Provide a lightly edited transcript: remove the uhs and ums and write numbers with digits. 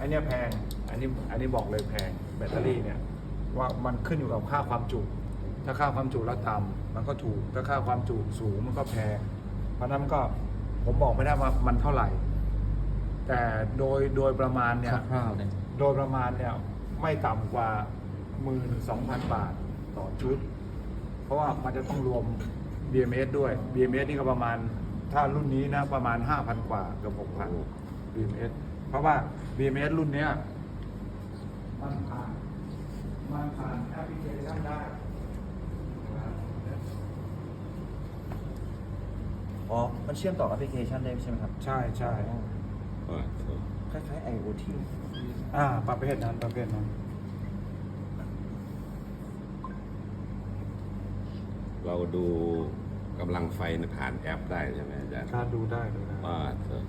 อันนี้แพงอันนี้บอกเลยแพงแบตเตอรี่เนี่ยว่ามันขึ้นอยู่กับค่าความจุถ้าค่าความจุแล้วต่ำมันก็ถูกถ้าค่าความจุสูงมันก็แพงเพราะนั้นก็ผมบอกไม่ได้ว่ามันเท่าไหร่ แต่โดยประมาณเนี่ยคร่าวๆเนี่ยโดยประมาณเนี่ยไม่ต่ำกว่า 12,000 บาทต่อชุด เพราะว่ามันจะต้องรวม BMS ด้วย BMS นี่ก็ประมาณถ้ารุ่นนี้นะประมาณ 5,000 กว่าเกือบ 6,000 BMS เพราะว่า BMS รุ่นเนี้ยมันผ่านแอปพลิเคชันได้อ๋อ มันเชื่อมต่อแอปพลิเคชันได้ใช่ไหมครับใช่ใช่คล้ายๆ IoT ประเภทนั้นเราดูกำลังไฟผ่านแอปได้ใช่ไหมอาจารย์ถ้าดูได้เลยนะว่าเถอะ